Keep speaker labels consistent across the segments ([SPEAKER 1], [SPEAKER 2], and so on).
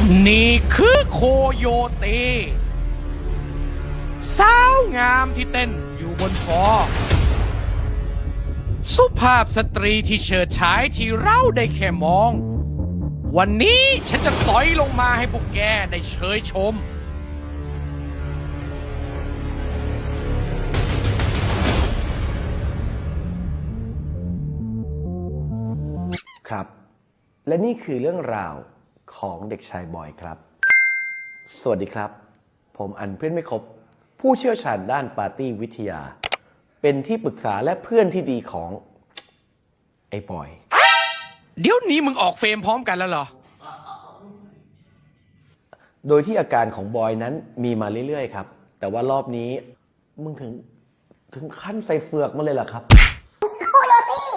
[SPEAKER 1] นี่คือโคโยตีสาวงามที่เต้นอยู่บนคอสุภาพสตรีที่เฉิดฉายที่เราได้แค่มอง วันนี้ฉันจะสอยลงมาให้พวกแกได้เชยชม
[SPEAKER 2] ครับและนี่คือเรื่องราวของเด็กชายบอยครับสวัสดีครับผมอันเพื่อนไม่ครบผู้เชี่ยวชาญด้านปาร์ตี้วิทยาเป็นที่ปรึกษาและเพื่อนที่ดีของไอ้บอย
[SPEAKER 1] เดี๋ยวนี้มึงออกเฟรมพร้อมกันแล้วเหรอ
[SPEAKER 2] โดยที่อาการของบอยนั้นมีมาเรื่อยๆครับแต่ว่ารอบนี้มึงถึงขั้นใส่เฟือกมาเลยเหรอครับ
[SPEAKER 3] โคโย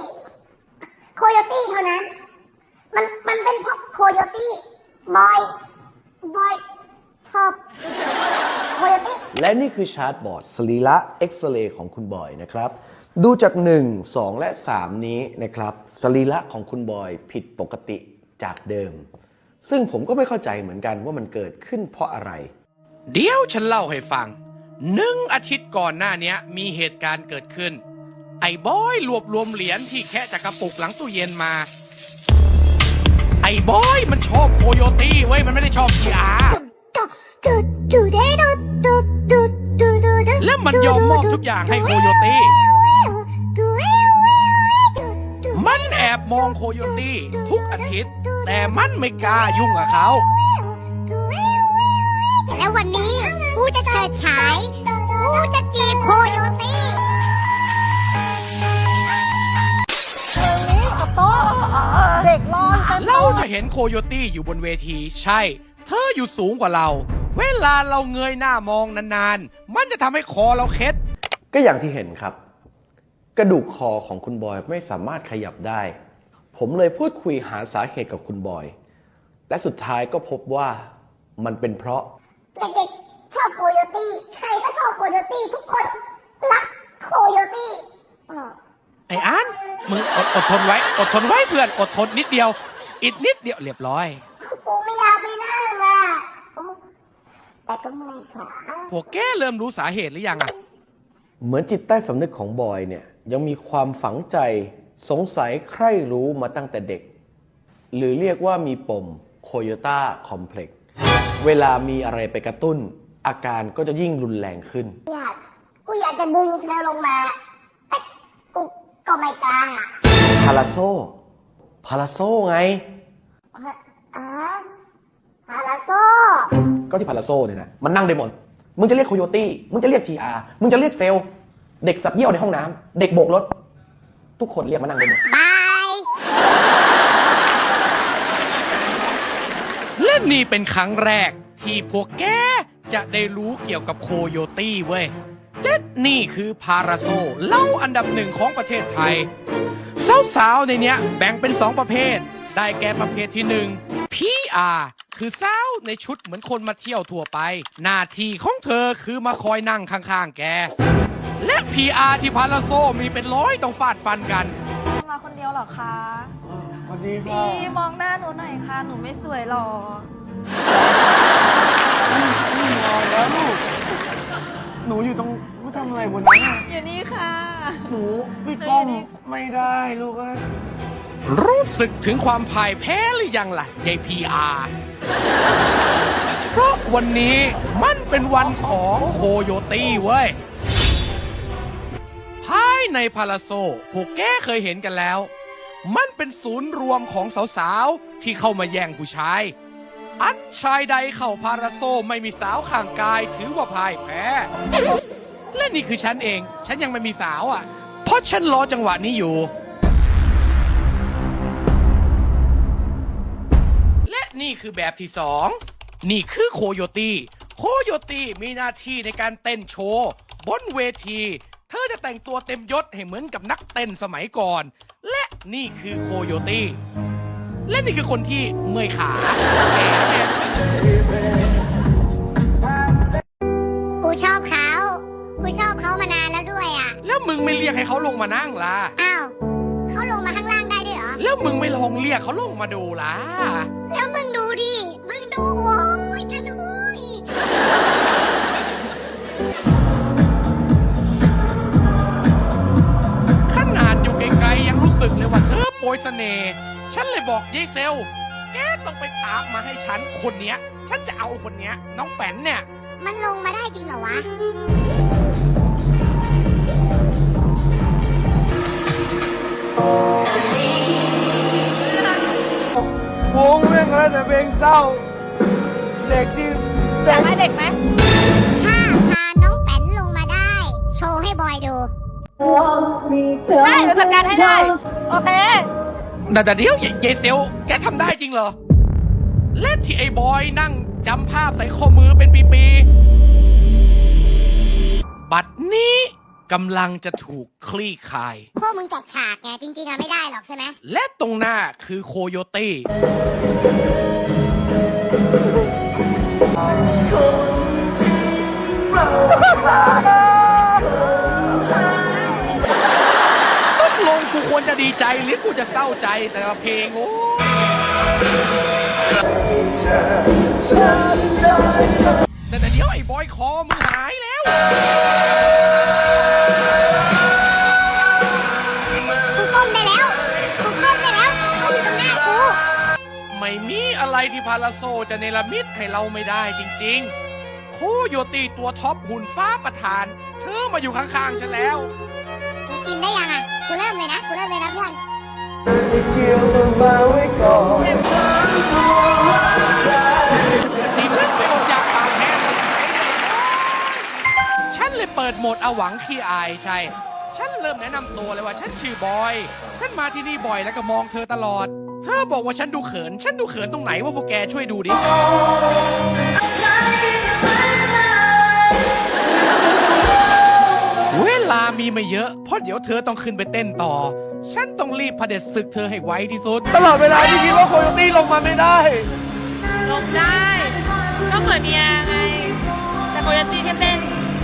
[SPEAKER 3] ตี้เท่านั้นมันเป็นเพราะโคโยตี้บอยชอบโคโยตี้
[SPEAKER 2] และนี่คือชาร์ตบอร์ดสรีระเอ็กซเรย์ของคุณบอยนะครับดูจาก1 2และ3นี้นะครับสรีระของคุณบอยผิดปกติจากเดิมซึ่งผมก็ไม่เข้าใจเหมือนกันว่ามันเกิดขึ้นเพราะอะไร
[SPEAKER 1] เดี๋ยวฉันเล่าให้ฟัง1 อาทิตย์ก่อนหน้านี้มีเหตุการณ์เกิดขึ้นไอ้บอยรวบรวมเหรียญที่แค่จากกระปุกหลังตู้เย็นมาไอ้บอยมันชอบโคโยตี้เว้ยมันไม่ได้ชอบพีอาร์แล้วมันยอมมอบทุกอย่างให้โคโยตี้มันแอบมองโคโยตี้ทุกอาทิตย์แต่มันไม่กล้ายุ่งกับเขา
[SPEAKER 3] แล้ววันนี้กูจะเฉิดฉายกูจะจีบโคโยตี้เด็กร้อน
[SPEAKER 1] เราจะเห็นโคโยตี้อยู่บนเวทีใช่เธออยู่สูงกว่าเราเวลาเราเงยหน้ามองนานๆมันจะทำให้คอเราเคล็ด
[SPEAKER 2] ก็อย่างที่เห็นครับกระดูกคอของคุณบอยไม่สามารถขยับได้ผมเลยพูดคุยหาสาเหตุกับคุณบอยและสุดท้ายก็พบว่ามันเป็นเพราะ
[SPEAKER 3] เด็กๆชอบโคโยตี้ใครก็ชอบโคโยตี้ทุกคนรักโคโยตี้
[SPEAKER 1] ไอ้อันมึงอดทนไว้เพื่อนอดทนนิดเดียวอีกนิดเดียวเรียบร้อย
[SPEAKER 3] กูไม่อยากไปนั่งอ่ะแต่ก็เมื่อยขา
[SPEAKER 1] พวกแกเริ่มรู้สาเหตุหรือยังอ่ะ
[SPEAKER 2] เหมือนจิตใต้สำนึกของบอยเนี่ยยังมีความฝังใจสงสัยใคร่รู้มาตั้งแต่เด็กหรือเรียกว่ามีปมโคโยต้าคอมเพล็กซ์เวลามีอะไรไปกระตุ้นอาการก็จะยิ่งรุนแรงขึ้น
[SPEAKER 3] กูอยากจะดึงเธอลงมาแต่กูก็ไม่กล้า
[SPEAKER 2] พาราโซไง
[SPEAKER 3] พาราโซ
[SPEAKER 2] ก็ที่พาราโซเนี่ยนะมันนั่งได้หมดมึงจะเรียกโคโยตี้มึงจะเรียก PR มึงจะเรียกเซลล์เด็กสับเยี่ยวในห้องน้ำเด็กโบกรถทุกคนเรียกมานั่งได้หมด
[SPEAKER 3] บาย
[SPEAKER 1] และนี่เป็นครั้งแรกที่พวกแกจะได้รู้เกี่ยวกับโคโยตี้เว้ยและนี่คือพาราโซเล่าอันดับ1ของประเทศไทยสาวๆในเนี้ยแบ่งเป็น2ประเภทได้แก่ประเภทที่1 PR คือสาวในชุดเหมือนคนมาเที่ยวทั่วไปหน้าที่ของเธอคือมาคอยนั่งข้างๆแกและ PR ที่พาราโซมีเป็น100ต้องฟาดฟันกัน
[SPEAKER 4] มาคนเดียวเหรอคะ
[SPEAKER 2] สวัสดีค่ะ
[SPEAKER 4] พี่มองหน้าหนูหน่อยค่ะหนูไม่สวยหรอ
[SPEAKER 2] แล้วลูกหนูอยู่ตรงไม่ทำอะไรบนนั้น
[SPEAKER 4] อยู่นี่ค่ะ
[SPEAKER 2] หนูพี่ก้องไม่ได้ลูก
[SPEAKER 1] รู้สึกถึงความพ่ายแพ้หรือยังล่ะยาย PR เพราะวันนี้มันเป็นวันของโคโยตี้เว้ยภายในพาราโซพวกแกเคยเห็นกันแล้วมันเป็นศูนย์รวมของสาวๆที่เข้ามาแย่งผู้ชายอันชายใดเข้าพาราโซไม่มีสาวข้างกายถือว่าพ่ายแพ้และนี่คือฉันเองฉันยังไม่มีสาวอ่ะเพราะฉันรอจังหวะนี้อยู่และนี่คือแบบที่2นี่คือโคโยตี้มีหน้าที่ในการเต้นโชว์บนเวทีเธอจะแต่งตัวเต็มยศให้เหมือนกับนักเต้นสมัยก่อนและนี่คือโคโยตี้และนี่คือคนที่เมื่อยขา
[SPEAKER 3] กูชอบเขามานานแล้วด้วยอ่ะ
[SPEAKER 1] แล้วมึงไม่เรียกให้เขาลงมานั่งล่ะ
[SPEAKER 3] อ้าวเขาลงมาข้างล่างได้ด้วยเหรอ
[SPEAKER 1] แล้วมึงไม่ลองเรียกเขาลงมาดูล่ะ
[SPEAKER 3] แล้วมึงดูดิดูโว้ยกระดุย
[SPEAKER 1] ขนาดอยู่ไกลๆยังรู้สึกเลยว่าเธอโปรยเสน่ห์ฉันเลยบอกยายเซล แกต้องไปตามมาให้ฉันคนเนี้ย ฉันจะเอาคนเนี้ย น้องแป๋นเนี่ย
[SPEAKER 3] มันลงมาได้จริงเหรอวะ
[SPEAKER 5] วงเรื่องอะไรแต่เพลงเศร้า เด็กที่
[SPEAKER 4] อยากให้เด็กไหม
[SPEAKER 3] ถ้าพาน้องแป้นลงมาได้ โชว์ให้บอยดู
[SPEAKER 4] ได้เดี๋ยวจัดการให้ได้ โอเค
[SPEAKER 1] แต่เดี๋ยวยายเซล แกทำได้จริงเหรอ และที่ไอ้บอยนั่งจำภาพใส่ข้อมือเป็นปีๆ บัดนี้กำลังจะถูกคลี่คลาย
[SPEAKER 3] พวกมึงจัดฉากไงจริงๆอะไม่ได้หรอกใช่ไหม
[SPEAKER 1] และตรงหน้าคือโคโยตี้ ตกลงกูควรจะดีใจหรือกูจะเศร้าใจแต่ละเพลงโอ้แต่เดี๋ยวไอ้บอยคอมึงหายแล้ว
[SPEAKER 3] กูก้มได้แล้ว กูก้มได้แล้วเขาอยู่ตรงหน้ากู
[SPEAKER 1] ไม่มีอะไรที่พาราโซจะเนรมิตให้เราไม่ได้จริงๆ โคโยตีตัวท็อปหุ่นฟ้าประธาน เธอมาอยู่ข้างๆฉันแล้ว
[SPEAKER 3] กูกินได้ยังอะกูเริ่มเลยนะ กูเริ่มเลยนะเพื่อน
[SPEAKER 5] เกี่ยวมาไว้ก่อน
[SPEAKER 1] นี่มึงไปอดอยากปากแห้งมาจากไหนเนี่ยฉันเลยเปิดโหมดเอาหวังขี้อายใช่ ฉันเริ่มแนะนำตัวเลยว่าฉันชื่อบอย ฉันมาที่นี่บ่อยแล้วก็มองเธอตลอด เธอบอกว่าฉันดูเขิน ฉันดูเขินตรงไหนว่าพวกแกช่วยดูดิ เวลามีไม่เยอะ เพราะเดี๋ยวเธอต้องขึ้นไปเต้นต่อ ฉันต้องรีบเผด็จศึกเธอให้ไวที่สุด
[SPEAKER 5] ตลอดเวลาที่คิดว่าโคโยตี้ลงมาไม่ได้
[SPEAKER 4] ลงได้ ก็เหมือนเมียไง แต่โคโยตี้แค่เต้น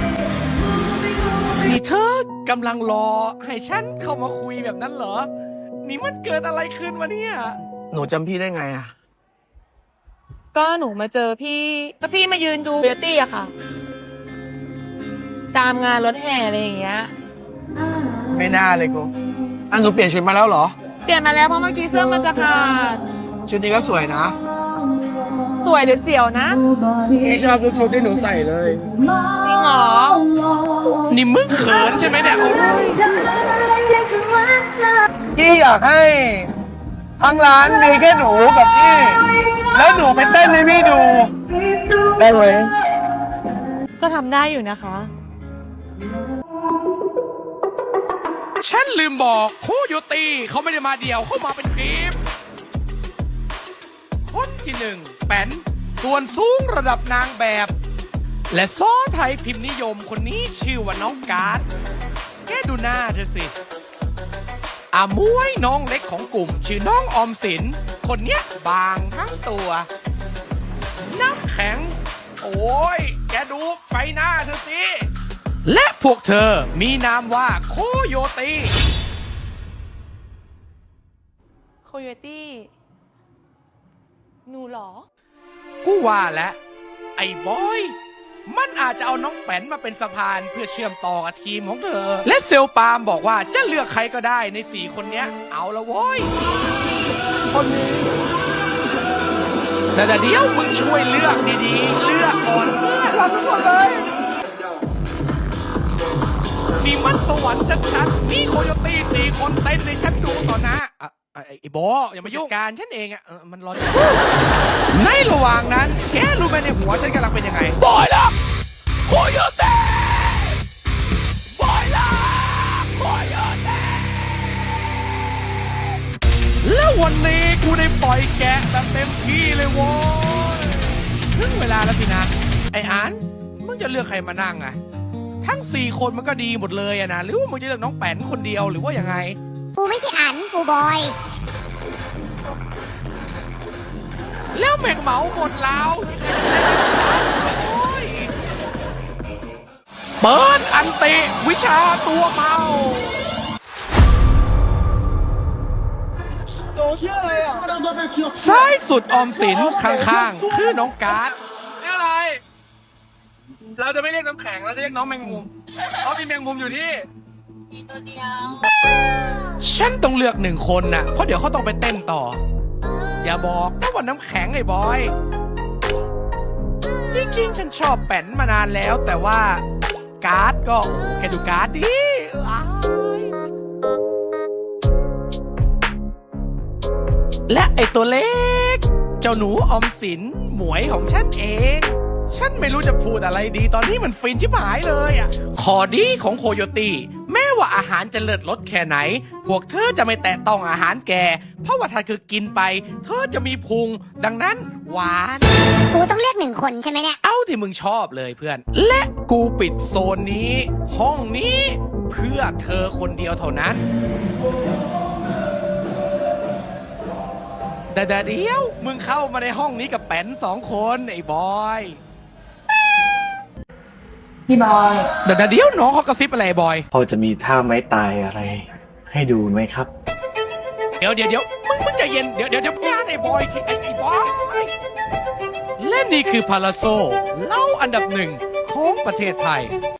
[SPEAKER 1] นี่เธอกำลังรอให้ฉันเข้ามาคุยแบบนั้นเหรอ นี่มันเกิดอะไรขึ้นวะเนี่ย
[SPEAKER 5] หนูจำพี่ได้ไงอะ
[SPEAKER 6] ก็หนูมาเจอพี่ก็พี่มายืนดูเบียตี้อะค่ะ ตามงานรถแห่อะไรอย่างเงี้ย
[SPEAKER 5] ไม่น่าเลยกูอันหนูเปลี่ยนชุดมาแล้วเหรอ
[SPEAKER 6] เปลี่ยนมาแล้วเพราะเมื่อกี้เสื้อมันจะขาด
[SPEAKER 5] ชุดนี้ก็สวยนะ
[SPEAKER 6] สวยหรือเสียวนะ
[SPEAKER 5] พี่ชอบทุกชุดที่หนูใส่เลย
[SPEAKER 6] จริงเหรอ
[SPEAKER 1] นี่มึงเขินใช่ไหมเนี่ยโอ้ย
[SPEAKER 5] พี่อยากให้ทั้งร้านมีแค่หนูกับพี่ แล้วหนูไปเต้นให้พี่ดู ได้ไหม
[SPEAKER 6] ก็ทำได้อยู่นะคะ
[SPEAKER 1] ฉันลืมบอกโคโยตีเขาไม่ได้มาเดี่ยวเขามาเป็นทีม คนที่หนึ่งแป้นส่วนสูงระดับนางแบบ และซ้อไทยพิมพ์นิยมคนนี้ชื่อว่าน้องการ์ดแกดูหน้าเธอสิอามวยน้องเล็กของกลุ่ม ชื่อน้องออมสิน คนเนี้ยบางทั้งตัว น้ำแข็ง โอ้ย แกดูไฟหน้าเธอสิ และพวกเธอมีนามว่าโคโยตี
[SPEAKER 6] โคโยตี้ หนูเหรอ
[SPEAKER 1] กูว่าแล้วไอ้บอย มันอาจจะเอาน้องแป้นมาเป็นสะพานเพื่อเชื่อมต่อกับทีมของเธอ และเซลปาล์มบอกว่าจะเลือกใครก็ได้ใน4คนเนี้ย เอาละโว้ย
[SPEAKER 5] คนนี้
[SPEAKER 1] แต่เดี๋ยวมึงช่วยเลือกดีๆ เลือกก่อนเพื่อน
[SPEAKER 5] รักทุกคนเลย
[SPEAKER 1] นี่มันสวรรค์ชัดๆนี่โคโยตี้4คนเต้นในฉันดูต่อหน้าไอ้โบอย่ามายุ่งการฉันเองมันร้อนในระหว่างนั้น แกรู้ไหมในหัวฉันกำลังเป็นยังไงบอยล่ะโคโยตี้บอยล่ะโคโยตี้แล้ววันนี้กูได้ปล่อยแกะแบบเต็มที่เลยโว้ยถึงเวลาแล้วสินะไอ้อันมึงจะเลือกใครมานั่งอะทั้ง4คนมันก็ดีหมดเลยอะนะหรือว่ามึงจะเลือกน้องแป้นคนเดียวหรือว่ายังไง
[SPEAKER 3] กูไม่ใช่อัน กูบอย
[SPEAKER 1] แล้วแม่งเหมาหมดแล้วโอ้ยเปิดอันติวิชาตัวเมา
[SPEAKER 5] สู้
[SPEAKER 1] ซ้ายสุดออมสินข้างๆ คือน้องการ์ด
[SPEAKER 5] นี่อะไร เราจะไม่เรียกน้ำแข็งเราจะเรียกน้องแมงมุมเพราะมีแมงมุมอยู่นี่
[SPEAKER 1] ฉันต้องเลือกหนึ่งคนน่ะ เพราะเดี๋ยวเขาต้องไปเต้นต่อ อย่าบอกนะว่าน้ำแข็งไอ้บอย จริงๆ ฉันชอบแป้นมานานแล้ว แต่ว่าการ์ดก็แค่ดูการ์ดดิอ้ายและไอ้ตัวเล็ก เจ้าหนูออมสินหมวยของฉันเอง ฉันไม่รู้จะพูดอะไรดีตอนนี้มันฟินชิบหายเลยอ่ะขอดีของโคโยตี้แม้ว่าอาหารจะเลิศรสแค่ไหน พวกเธอจะไม่แตะต้องอาหารแก เพราะว่าถ้าคือกินไป เธอจะมีพุง ดังนั้นหวาน
[SPEAKER 3] กูต้องเลือกหนึ่งคนใช่ไหมเนี่ย
[SPEAKER 1] เอาที่มึงชอบเลยเพื่อน และกูปิดโซนนี้ ห้องนี้ เพื่อเธอคนเดียวเท่านั้น แต่เดี๋ยวมึงเข้ามาในห้องนี้กับแป้น2 คนไอ้บอย
[SPEAKER 6] พี่บอย
[SPEAKER 1] เดี๋ยวน้องเขากระซิบอะไรบอย
[SPEAKER 7] พอจะมีท่าไม้ตายอะไร ให้ดูไหมครับ
[SPEAKER 1] เดี๋ยวมึงใจเย็นเดี๋ยวงานไอ้บอยไอ้บอยและนี่คือพาราโซเล่าอันดับ 1ของประเทศไทย